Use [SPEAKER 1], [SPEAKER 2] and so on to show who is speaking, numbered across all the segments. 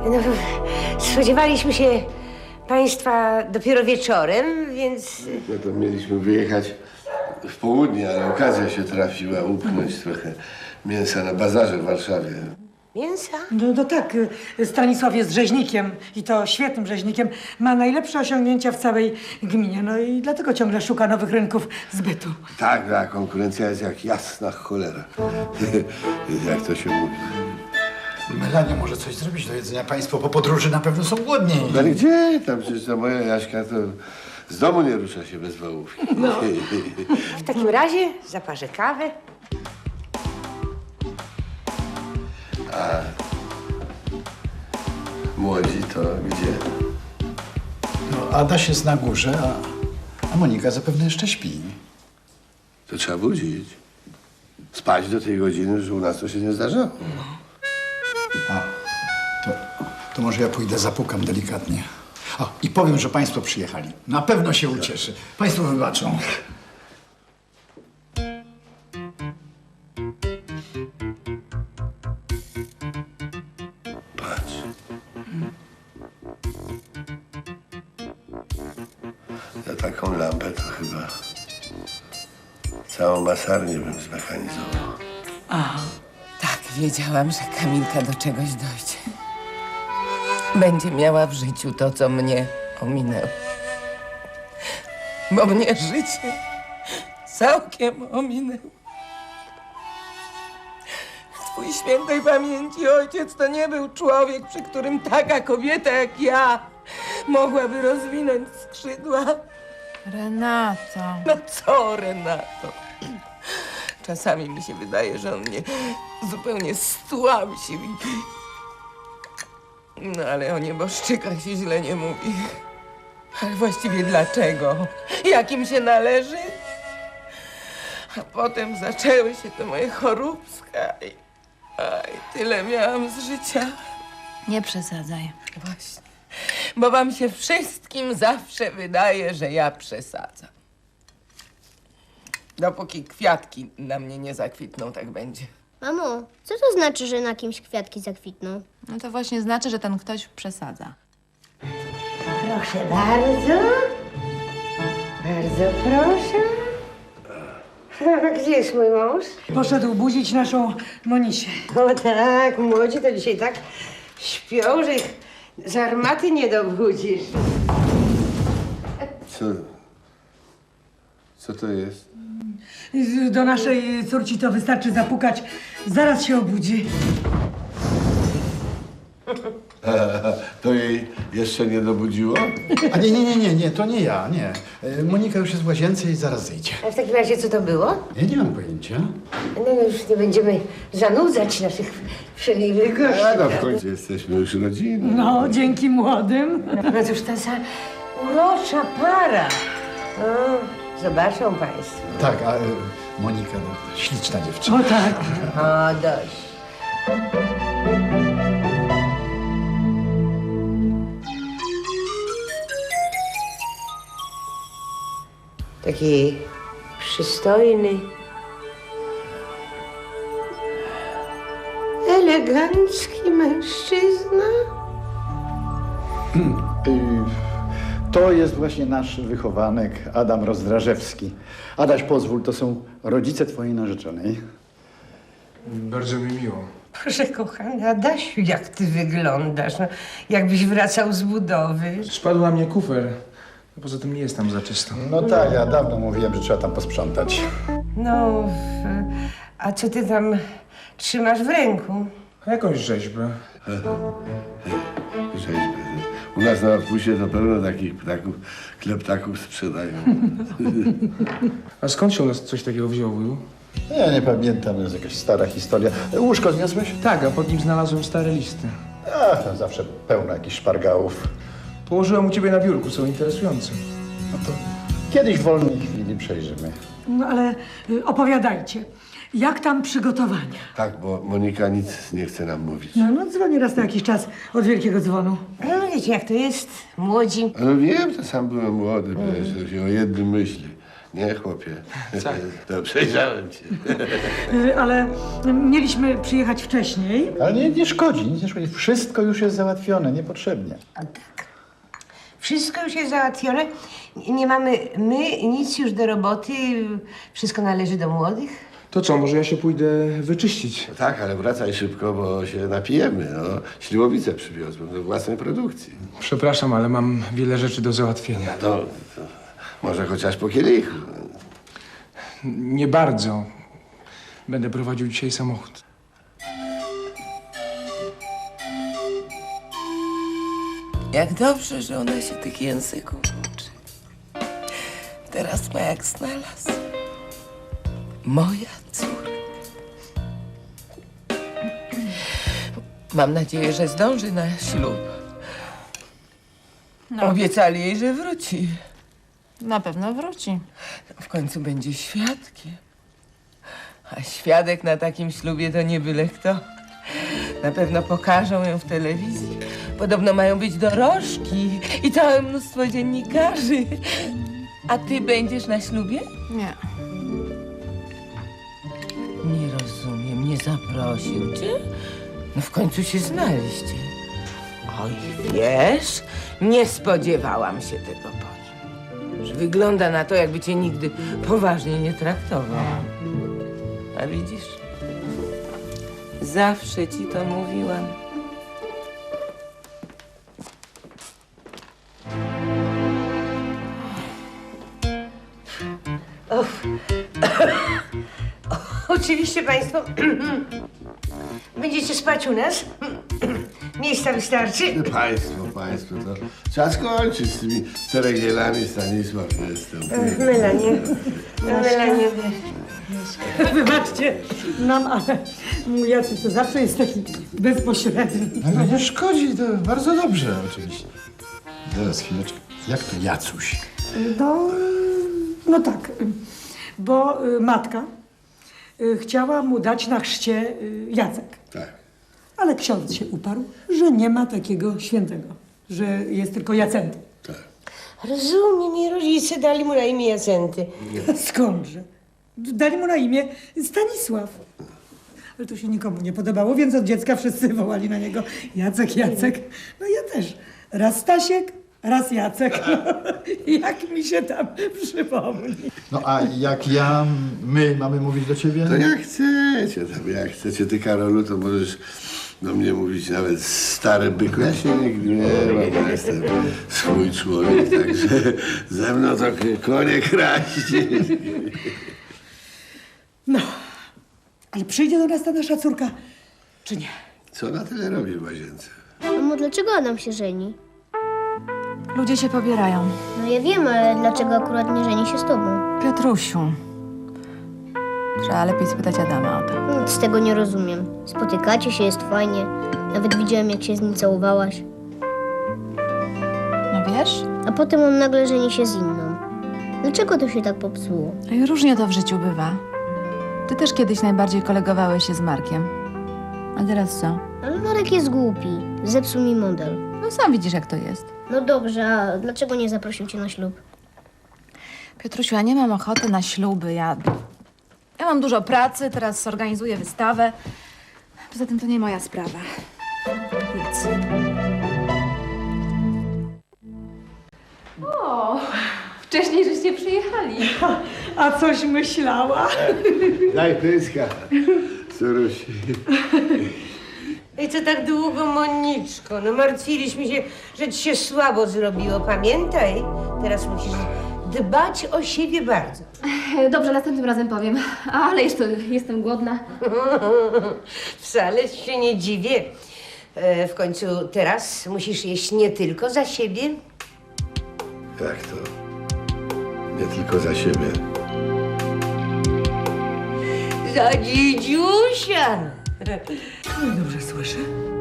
[SPEAKER 1] No, spodziewaliśmy się państwa dopiero wieczorem, więc...
[SPEAKER 2] No to mieliśmy wyjechać w południe, ale okazja się trafiła upchnąć trochę mięsa na bazarze w Warszawie.
[SPEAKER 1] Mięsa?
[SPEAKER 3] No tak, Stanisław jest rzeźnikiem i to świetnym rzeźnikiem. Ma najlepsze osiągnięcia w całej gminie, no i dlatego ciągle szuka nowych rynków zbytu.
[SPEAKER 2] Tak, a konkurencja jest jak jasna cholera. Jak to się mówi.
[SPEAKER 4] Melania może coś zrobić do jedzenia. Państwo po podróży na pewno są głodni.
[SPEAKER 2] No ale gdzie? Tam przecież ta moja Jaśka to z domu nie rusza się bez wołów. No.
[SPEAKER 1] W takim razie zaparzę kawę.
[SPEAKER 2] Młodzi to gdzie?
[SPEAKER 4] No, Adaś jest na górze, a Monika zapewne jeszcze śpi.
[SPEAKER 2] To trzeba budzić. Spać do tej godziny, że u nas to się nie zdarzało.
[SPEAKER 4] To może ja pójdę, zapukam delikatnie. I powiem, że państwo przyjechali. Na pewno się ucieszy. Państwo wybaczą.
[SPEAKER 2] Patrz. Za taką lampę to chyba całą masarnię bym zmechanizował.
[SPEAKER 5] Tak, wiedziałam, że Kamilka do czegoś dojdzie. Będzie miała w życiu to, co mnie ominęło. Bo mnie życie całkiem ominęło. Twój świętej pamięci ojciec to nie był człowiek, przy którym taka kobieta jak ja mogłaby rozwinąć skrzydła.
[SPEAKER 6] Renato.
[SPEAKER 5] No co, Renato? Czasami mi się wydaje, że on mnie zupełnie stłamsił. No ale o nieboszczykach się źle nie mówi. Ale właściwie dlaczego? Jak im się należy? A potem zaczęły się te moje choróbska i tyle miałam z życia.
[SPEAKER 6] Nie przesadzaj.
[SPEAKER 5] Właśnie. Bo wam się wszystkim zawsze wydaje, że ja przesadzam. Dopóki kwiatki na mnie nie zakwitną, tak będzie.
[SPEAKER 7] Mamo, co to znaczy, że na kimś kwiatki zakwitną?
[SPEAKER 6] No to właśnie znaczy, że ten ktoś przesadza.
[SPEAKER 1] Proszę bardzo. Bardzo proszę. Gdzie jest mój mąż?
[SPEAKER 3] Poszedł budzić naszą Monisię.
[SPEAKER 1] O tak, młodzi to dzisiaj tak śpią, że ich z armaty nie dobudzisz.
[SPEAKER 2] Co to jest?
[SPEAKER 3] Do naszej córci to wystarczy zapukać, zaraz się obudzi.
[SPEAKER 2] To jej jeszcze nie dobudziło?
[SPEAKER 4] A nie, to nie ja, nie. Monika już jest w łazience i zaraz zejdzie.
[SPEAKER 1] A w takim razie co to było?
[SPEAKER 4] Ja nie mam pojęcia.
[SPEAKER 1] No już nie będziemy zanudzać naszych przemiłych gości.
[SPEAKER 2] A no w końcu jesteśmy już rodziną.
[SPEAKER 3] No, dzięki młodym.
[SPEAKER 1] No cóż ta za urocza para. O, zobaczą państwo.
[SPEAKER 4] Tak, a Monika, no, śliczna dziewczyna.
[SPEAKER 3] O tak.
[SPEAKER 1] O, dość. Taki przystojny, elegancki mężczyzna.
[SPEAKER 4] To jest właśnie nasz wychowanek Adam Rozdrażewski. Adaś, pozwól, to są rodzice twojej narzeczonej.
[SPEAKER 8] Bardzo mi miło.
[SPEAKER 1] Proszę, kochany Adasiu, jak ty wyglądasz. No, jakbyś wracał z budowy.
[SPEAKER 8] Spadł na mnie kufer. Poza tym nie jest tam za czysto.
[SPEAKER 4] No tak, ja dawno mówiłem, że trzeba tam posprzątać.
[SPEAKER 1] No, a co ty tam trzymasz w ręku?
[SPEAKER 8] A jakąś rzeźbę.
[SPEAKER 2] Rzeźby. U nas na odpuście to pełno takich ptaków, kleptaków sprzedają.
[SPEAKER 8] A skąd się u nas coś takiego wzięło, wuju?
[SPEAKER 4] Ja nie pamiętam, to jest jakaś stara historia. Łóżko zniosłeś?
[SPEAKER 8] Tak, a pod nim znalazłem stare listy.
[SPEAKER 4] Ach, tam zawsze pełno jakichś szpargałów.
[SPEAKER 8] Położyłem u ciebie na biurku, są interesujące.
[SPEAKER 4] No to kiedyś w wolnej chwili przejrzymy.
[SPEAKER 3] No ale opowiadajcie, jak tam przygotowania?
[SPEAKER 2] Tak, bo Monika nic nie chce nam mówić.
[SPEAKER 3] No dzwonię raz na jakiś czas od wielkiego dzwonu.
[SPEAKER 1] No wiecie, jak to jest, młodzi.
[SPEAKER 2] Ale wiem, to sam byłem młody, przecież to się o jednym myśli. Nie, chłopie.
[SPEAKER 8] Co?
[SPEAKER 2] No, przejrzałem cię.
[SPEAKER 3] Ale mieliśmy przyjechać wcześniej.
[SPEAKER 4] Ale nie szkodzi, nic nie szkodzi. Wszystko już jest załatwione, niepotrzebnie.
[SPEAKER 1] A tak. Wszystko już jest załatwione. Nie mamy my nic już do roboty. Wszystko należy do młodych.
[SPEAKER 8] To co, może ja się pójdę wyczyścić?
[SPEAKER 2] No tak, ale wracaj szybko, bo się napijemy. No. Śliwowicę przywiozłem do własnej produkcji.
[SPEAKER 8] Przepraszam, ale mam wiele rzeczy do załatwienia.
[SPEAKER 2] To może chociaż po kielichu.
[SPEAKER 8] Nie bardzo. Będę prowadził dzisiaj samochód.
[SPEAKER 5] Jak dobrze, że ona się tych języków uczy. Teraz ma jak znalazł. Moja córka. Mam nadzieję, że zdąży na ślub. Obiecali jej, że wróci.
[SPEAKER 6] Na pewno wróci.
[SPEAKER 5] W końcu będzie świadkiem. A świadek na takim ślubie to nie byle kto. Na pewno pokażą ją w telewizji. Podobno mają być dorożki i całe mnóstwo dziennikarzy. A ty będziesz na ślubie?
[SPEAKER 6] Nie.
[SPEAKER 5] Nie rozumiem, nie zaprosił cię? No w końcu się znaliście. Oj, wiesz, nie spodziewałam się tego po nim. Że wygląda na to, jakby cię nigdy poważnie nie traktował. A widzisz? Zawsze ci to mówiłam.
[SPEAKER 1] Oczywiście państwo będziecie spać u nas. Miejsca wystarczy.
[SPEAKER 2] Państwo, to trzeba skończyć z tymi ceregielami, Stanisław, jestem.
[SPEAKER 1] Melanie. Melanie.
[SPEAKER 3] Wybaczcie nam, ale mój Jacek to zawsze jest taki bezpośredni.
[SPEAKER 4] Ale nie szkodzi, to bardzo dobrze oczywiście. Zaraz, chwileczkę. Jak to Jacuś?
[SPEAKER 3] No tak, bo matka chciała mu dać na chrzcie Jacek.
[SPEAKER 2] Tak.
[SPEAKER 3] Ale ksiądz się uparł, że nie ma takiego świętego, że jest tylko Jacenty.
[SPEAKER 2] Tak.
[SPEAKER 1] Rozumiem, i rodzice dali mu na imię Jacenty.
[SPEAKER 3] Skądże? Dali mu na imię Stanisław. Ale to się nikomu nie podobało, więc od dziecka wszyscy wołali na niego Jacek, Jacek. No ja też. Raz Stasiek, raz Jacek. Jak mi się tam przypomni.
[SPEAKER 4] No a jak my mamy mówić do ciebie?
[SPEAKER 2] To jak chcecie, jak chcecie. Ty, Karolu, to możesz do mnie mówić nawet stary byku. Ja się nie gniewam, bo jestem swój człowiek, także ze mną to konie kraść.
[SPEAKER 3] No, ale przyjdzie do nas ta nasza córka, czy nie?
[SPEAKER 2] Co na tyle robi w łazience?
[SPEAKER 7] Mamo, dlaczego Adam się żeni?
[SPEAKER 6] Ludzie się pobierają.
[SPEAKER 7] No ja wiem, ale dlaczego akurat nie żeni się z tobą?
[SPEAKER 6] Piotrusiu. Trzeba lepiej spytać Adama o to.
[SPEAKER 7] Nic z tego nie rozumiem. Spotykacie się, jest fajnie. Nawet widziałem, jak się z nim całowałaś.
[SPEAKER 6] No wiesz?
[SPEAKER 7] A potem on nagle żeni się z inną. Dlaczego to się tak popsuło?
[SPEAKER 6] No i różnie to w życiu bywa. Ty też kiedyś najbardziej kolegowałeś się z Markiem. A teraz co?
[SPEAKER 7] Ale Marek jest głupi. Zepsuł mi model.
[SPEAKER 6] No sam widzisz, jak to jest.
[SPEAKER 7] No dobrze, a dlaczego nie zaprosił cię na ślub?
[SPEAKER 6] Piotrusiu, ja nie mam ochoty na śluby. Ja mam dużo pracy, teraz zorganizuję wystawę. Poza tym to nie moja sprawa. Nic.
[SPEAKER 9] Wcześniej żeście przyjechali.
[SPEAKER 3] A coś myślała?
[SPEAKER 2] Daj pyska, Surusi.
[SPEAKER 1] I co tak długo, Moniczko? No martwiliśmy się, że ci się słabo zrobiło. Pamiętaj, teraz musisz dbać o siebie bardzo.
[SPEAKER 9] Dobrze, następnym razem powiem. Ale jeszcze jestem głodna.
[SPEAKER 1] Wcale się nie dziwię. W końcu teraz musisz jeść nie tylko za siebie.
[SPEAKER 2] Jak to? Nie tylko za siebie.
[SPEAKER 1] Za dziedziusia.
[SPEAKER 3] No i dobrze słyszę.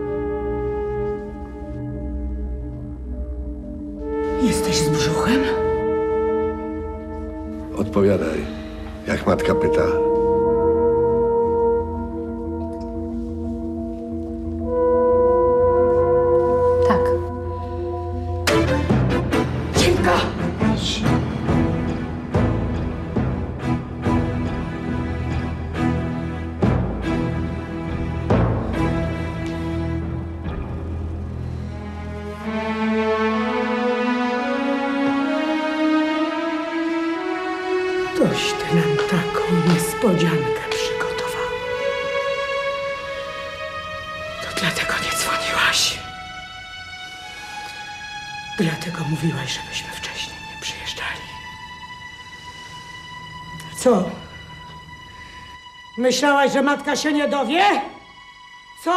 [SPEAKER 3] Jesteś z brzuchem?
[SPEAKER 2] Odpowiadaj, jak matka pyta.
[SPEAKER 6] Tak.
[SPEAKER 3] niespodziankę przygotowała. To dlatego nie dzwoniłaś. Dlatego mówiłaś, żebyśmy wcześniej nie przyjeżdżali. Co? Myślałaś, że matka się nie dowie? Co?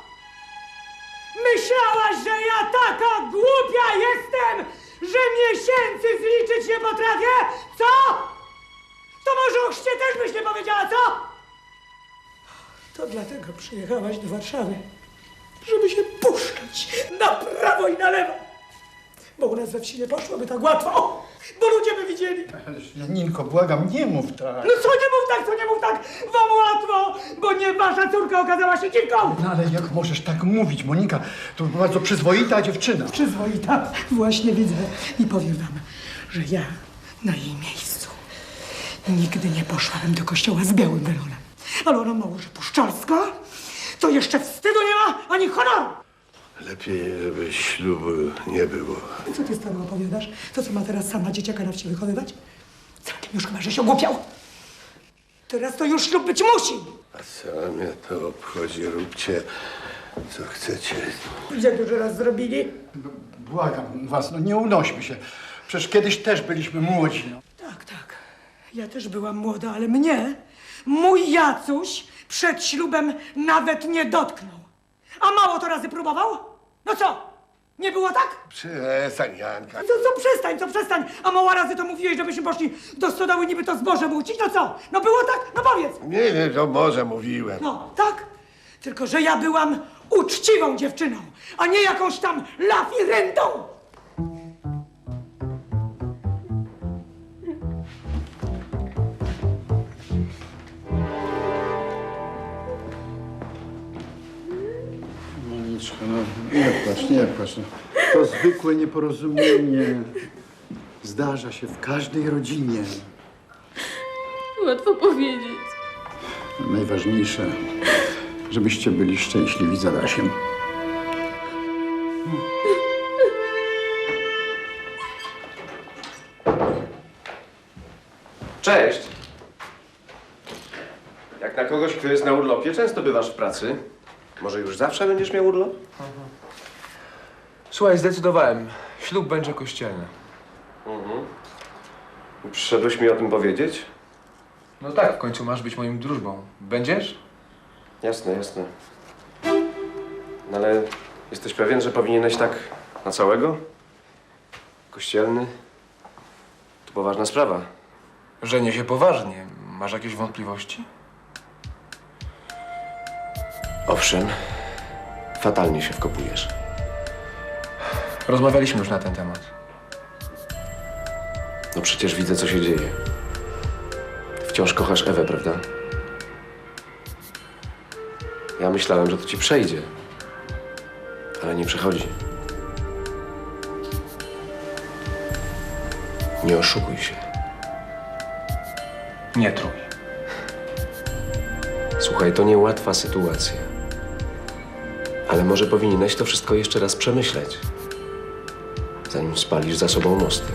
[SPEAKER 3] Myślałaś, że ja taka głupia jestem, że miesięcy zliczyć nie potrafię? Co? To może o chrzcie też byś nie powiedziała, co? To dlatego przyjechałaś do Warszawy, żeby się puszczać na prawo i na lewo. Bo u nas we wsi nie poszłoby tak łatwo, bo ludzie by widzieli.
[SPEAKER 4] Ależ Janinko, błagam, nie mów tak.
[SPEAKER 3] No co nie mów tak, wam łatwo, bo nie wasza córka okazała się dziwką.
[SPEAKER 4] No ale jak możesz tak mówić, Monika? To bardzo przyzwoita dziewczyna.
[SPEAKER 3] Przyzwoita, właśnie widzę i powiem wam, że ja na jej miejscu nigdy nie poszłabym do kościoła z białym welonem. Ale ona mało, że puszczalska, to jeszcze wstydu nie ma, ani honoru.
[SPEAKER 2] Lepiej, żeby ślubu nie było.
[SPEAKER 3] Co ty stary opowiadasz? To co ma teraz sama dzieciaka na wsi wychowywać? Całkiem już chyba, że się ogłupiał. Teraz to już ślub być musi.
[SPEAKER 2] A co mnie to obchodzi? Róbcie, co chcecie.
[SPEAKER 3] Gdzie dużo raz zrobili?
[SPEAKER 4] Błagam was, no nie unośmy się. Przecież kiedyś też byliśmy młodzi. No.
[SPEAKER 3] Tak. Ja też byłam młoda, ale mnie mój Jacuś przed ślubem nawet nie dotknął. A mało to razy próbował? No co? Nie było tak?
[SPEAKER 2] Przestań, Janka.
[SPEAKER 3] Co przestań? A mało razy to mówiłeś, żebyśmy poszli do stodoły niby to zboże mucić? No co? No było tak? No powiedz.
[SPEAKER 2] Nie, to może mówiłem.
[SPEAKER 3] No, tak? Tylko, że ja byłam uczciwą dziewczyną, a nie jakąś tam lafirentą.
[SPEAKER 4] Moniczko, no nie płacz. No. To zwykłe nieporozumienie. Zdarza się w każdej rodzinie.
[SPEAKER 9] Łatwo powiedzieć.
[SPEAKER 4] Najważniejsze, żebyście byli szczęśliwi z Adasiem.
[SPEAKER 10] Cześć! Jak na kogoś, kto jest na urlopie, często bywasz w pracy. Może już zawsze będziesz miał urlop?
[SPEAKER 8] Słuchaj, zdecydowałem. Ślub będzie kościelny.
[SPEAKER 10] Przyszedłeś mi o tym powiedzieć?
[SPEAKER 8] No tak, w końcu masz być moim drużbą. Będziesz?
[SPEAKER 10] Jasne. No ale jesteś pewien, że powinieneś tak na całego? Kościelny? To poważna sprawa.
[SPEAKER 8] Żenię się poważnie. Masz jakieś wątpliwości?
[SPEAKER 10] Owszem, fatalnie się wkopujesz.
[SPEAKER 8] Rozmawialiśmy już na ten temat.
[SPEAKER 10] No przecież widzę, co się dzieje. Wciąż kochasz Ewę, prawda? Ja myślałem, że to ci przejdzie. Ale nie przechodzi. Nie oszukuj się.
[SPEAKER 8] Nie trój.
[SPEAKER 10] Słuchaj, to niełatwa sytuacja. Ale może powinieneś to wszystko jeszcze raz przemyśleć, zanim spalisz za sobą mosty.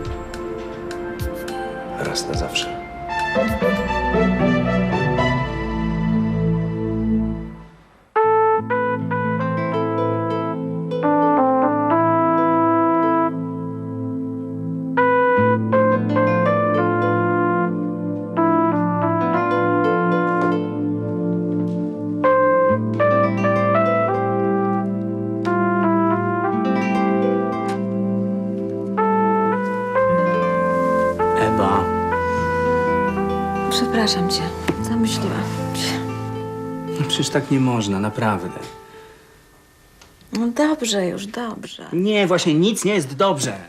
[SPEAKER 10] Raz na zawsze.
[SPEAKER 11] Ewa,
[SPEAKER 6] Przepraszam cię. Zamyśliłam się.
[SPEAKER 11] no przecież tak nie można, naprawdę.
[SPEAKER 6] No dobrze już, dobrze.
[SPEAKER 11] Nie, właśnie nic nie jest dobrze.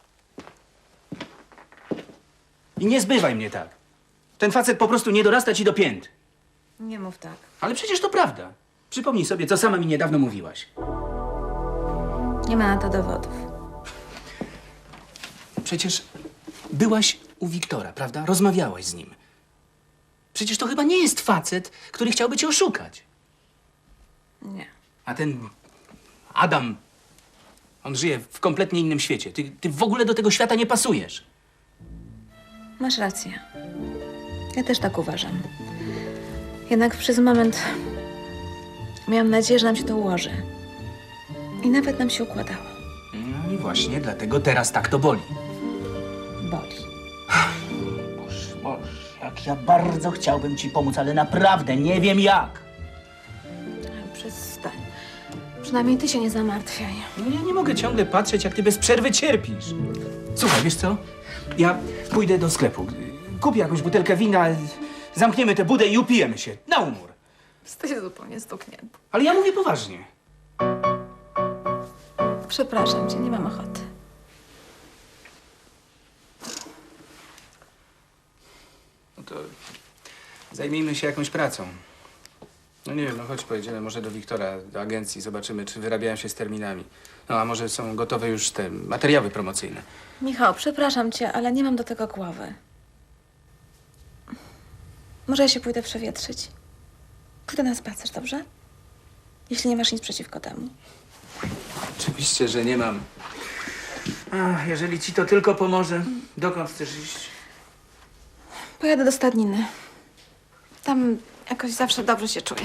[SPEAKER 11] I nie zbywaj mnie tak. Ten facet po prostu nie dorasta ci do pięt.
[SPEAKER 6] Nie mów tak.
[SPEAKER 11] Ale przecież to prawda. Przypomnij sobie, co sama mi niedawno mówiłaś.
[SPEAKER 6] Nie ma na to dowodów.
[SPEAKER 11] Przecież byłaś u Wiktora, prawda? Rozmawiałaś z nim. Przecież to chyba nie jest facet, który chciałby cię oszukać.
[SPEAKER 6] Nie.
[SPEAKER 11] A ten Adam, on żyje w kompletnie innym świecie. Ty w ogóle do tego świata nie pasujesz.
[SPEAKER 6] Masz rację. Ja też tak uważam. Jednak przez moment miałam nadzieję, że nam się to ułoży. I nawet nam się układało.
[SPEAKER 11] No i właśnie dlatego teraz tak to boli.
[SPEAKER 6] Boli.
[SPEAKER 11] Boże, jak ja bardzo chciałbym ci pomóc, ale naprawdę nie wiem jak.
[SPEAKER 6] Przestań. Przynajmniej ty się nie zamartwiaj.
[SPEAKER 11] No ja nie mogę ciągle patrzeć, jak ty bez przerwy cierpisz. Słuchaj, wiesz co? Ja pójdę do sklepu. Kupię jakąś butelkę wina, zamkniemy tę budę i upijemy się. Na umór.
[SPEAKER 6] Jesteś zupełnie stuknięty.
[SPEAKER 11] Ale ja mówię poważnie.
[SPEAKER 6] Przepraszam cię, nie mam ochoty.
[SPEAKER 11] No to zajmijmy się jakąś pracą. No nie wiem, no chodź, pojedziemy może do Wiktora, do agencji, zobaczymy, czy wyrabiają się z terminami. No a może są gotowe już te materiały promocyjne.
[SPEAKER 6] Michał, przepraszam cię, ale nie mam do tego głowy. Może ja się pójdę przewietrzyć? Pójdę na spacer, dobrze? Jeśli nie masz nic przeciwko temu.
[SPEAKER 11] Oczywiście, że nie mam. A jeżeli ci to tylko pomoże, dokąd chcesz iść?
[SPEAKER 6] Pojadę do stadniny. Tam jakoś zawsze dobrze się czuję.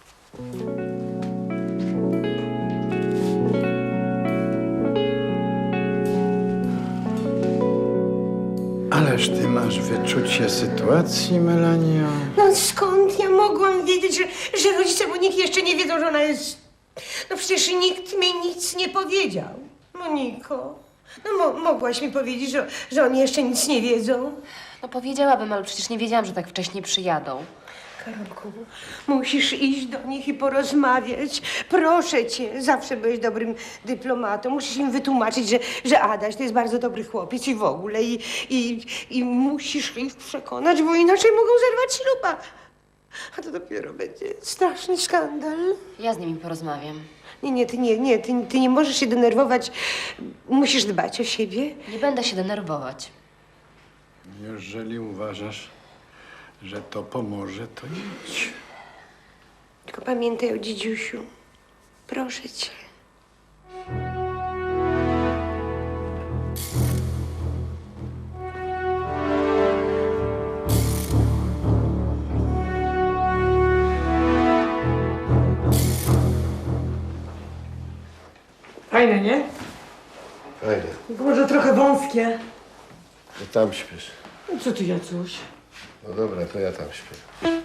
[SPEAKER 4] Ależ ty masz wyczucie sytuacji, Melanio.
[SPEAKER 1] No skąd ja mogłam wiedzieć, że rodzice Moniki jeszcze nie wiedzą, że ona jest... No przecież nikt mi nic nie powiedział. Moniko, no mogłaś mi powiedzieć, że oni jeszcze nic nie wiedzą.
[SPEAKER 9] No powiedziałabym, ale przecież nie wiedziałam, że tak wcześnie przyjadą.
[SPEAKER 1] Karolku, musisz iść do nich i porozmawiać. Proszę cię, zawsze byłeś dobrym dyplomatą. Musisz im wytłumaczyć, że Adaś to jest bardzo dobry chłopiec i w ogóle. I musisz ich przekonać, bo inaczej mogą zerwać śluba. A to dopiero będzie straszny skandal.
[SPEAKER 9] Ja z nimi porozmawiam.
[SPEAKER 1] Ty nie możesz się denerwować. Musisz dbać o siebie.
[SPEAKER 9] Nie będę się denerwować.
[SPEAKER 4] Jeżeli uważasz, że to pomoże, to idź.
[SPEAKER 1] Tylko pamiętaj o dziedziusiu. Proszę cię.
[SPEAKER 3] Fajne, nie?
[SPEAKER 2] Fajnie.
[SPEAKER 3] Tylko może trochę wąskie.
[SPEAKER 2] To tam śpiesz.
[SPEAKER 3] No co ty, Jacuś?
[SPEAKER 2] No dobra, to ja tam śpię.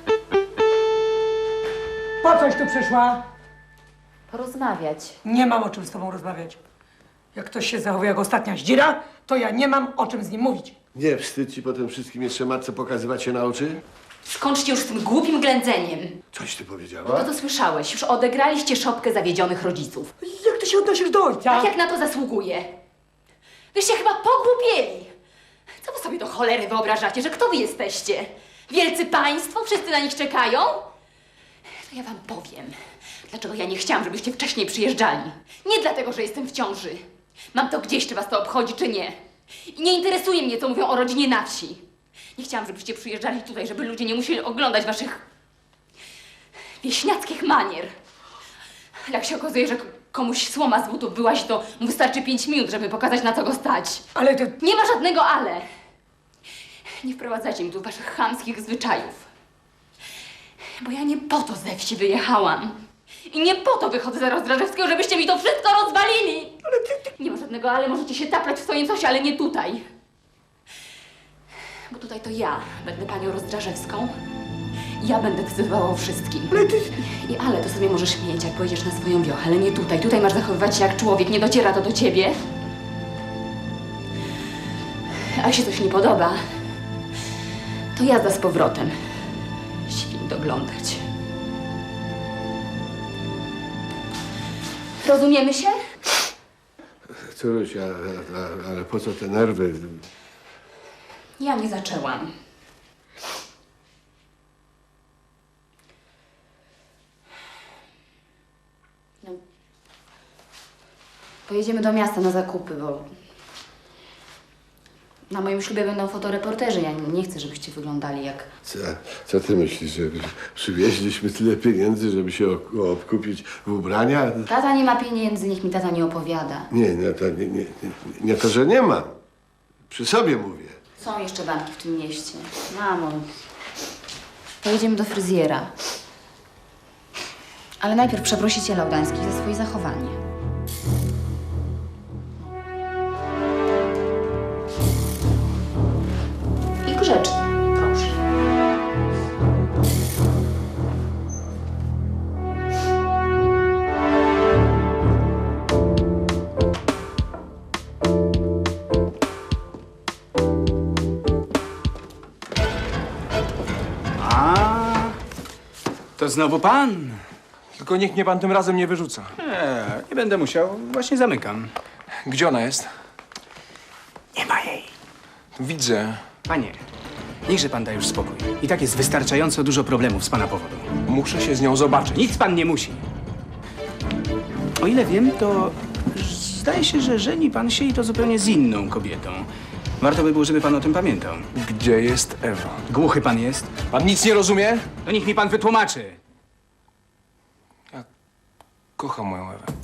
[SPEAKER 3] Po coś tu przyszła?
[SPEAKER 9] Porozmawiać.
[SPEAKER 3] Nie mam o czym z tobą rozmawiać. Jak ktoś się zachowuje jak ostatnia zdzira, to ja nie mam o czym z nim mówić.
[SPEAKER 2] Nie wstyd ci po tym wszystkim jeszcze matce pokazywać się na oczy?
[SPEAKER 9] Skończcie już z tym głupim ględzeniem.
[SPEAKER 2] Coś ty
[SPEAKER 9] No
[SPEAKER 2] powiedziała?
[SPEAKER 9] to słyszałeś, już odegraliście szopkę zawiedzionych rodziców.
[SPEAKER 3] Jak ty się odnosisz do ojca?
[SPEAKER 9] Tak jak na to zasługuje. Wyście chyba pogłupieli. Co wy sobie do cholery wyobrażacie, że kto wy jesteście? Wielcy państwo? Wszyscy na nich czekają? To ja wam powiem, dlaczego ja nie chciałam, żebyście wcześniej przyjeżdżali. Nie dlatego, że jestem w ciąży. Mam to gdzieś, czy was to obchodzi, czy nie. I nie interesuje mnie, co mówią o rodzinie na wsi. Nie chciałam, żebyście przyjeżdżali tutaj, żeby ludzie nie musieli oglądać waszych wieśniackich manier. Jak się okazuje, że komuś słoma z butów wyłazi, to mu wystarczy 5 minut, żeby pokazać, na co go stać.
[SPEAKER 3] Ale to...
[SPEAKER 9] Nie ma żadnego ale. Nie wprowadzajcie mi tu waszych chamskich zwyczajów. Bo ja nie po to ze wsi wyjechałam. I nie po to wychodzę za Rozdrażewskiego, żebyście mi to wszystko rozwalili. Nie ma żadnego ale, możecie się taplać w swoim sosie, ale nie tutaj. Bo tutaj to ja będę panią Rozdrażewską. Ja będę decydowała o wszystkim. I ale to sobie możesz mieć, jak pojedziesz na swoją wiochę, ale nie tutaj. Tutaj masz zachowywać się jak człowiek, nie dociera to do ciebie. A jeśli coś nie podoba, to jazda z powrotem. Świn doglądać. Rozumiemy się?
[SPEAKER 2] Córuś, ale po co te nerwy?
[SPEAKER 9] Ja nie zaczęłam. No. Pojedziemy do miasta na zakupy, bo na moim ślubie będą fotoreporterzy. Ja nie chcę, żebyście wyglądali jak...
[SPEAKER 2] Co ty myślisz, że przywieźliśmy tyle pieniędzy, żeby się obkupić w ubrania?
[SPEAKER 9] Tata nie ma pieniędzy, niech mi tata nie opowiada.
[SPEAKER 2] Nie to, że nie mam. Przy sobie mówię.
[SPEAKER 9] Są jeszcze banki w tym mieście. Mamo,
[SPEAKER 6] Pojedziemy do fryzjera. Ale najpierw przeprosi cię Laudański za swoje zachowanie. I grzecznie, proszę.
[SPEAKER 11] A, to znowu pan?
[SPEAKER 8] Tylko niech mnie pan tym razem nie wyrzuca.
[SPEAKER 11] Nie będę musiał. Właśnie zamykam.
[SPEAKER 8] Gdzie ona jest?
[SPEAKER 11] Nie ma jej.
[SPEAKER 8] Widzę.
[SPEAKER 11] Panie, niechże pan da już spokój. I tak jest wystarczająco dużo problemów z pana powodu.
[SPEAKER 8] Muszę się z nią zobaczyć.
[SPEAKER 11] Nic pan nie musi. O ile wiem, to zdaje się, że żeni pan się i to zupełnie z inną kobietą. Warto by było, żeby pan o tym pamiętał.
[SPEAKER 8] Gdzie jest Ewa?
[SPEAKER 11] Głuchy pan jest?
[SPEAKER 8] Pan nic nie rozumie?
[SPEAKER 11] To niech mi pan wytłumaczy.
[SPEAKER 8] Kocham moją Ewę.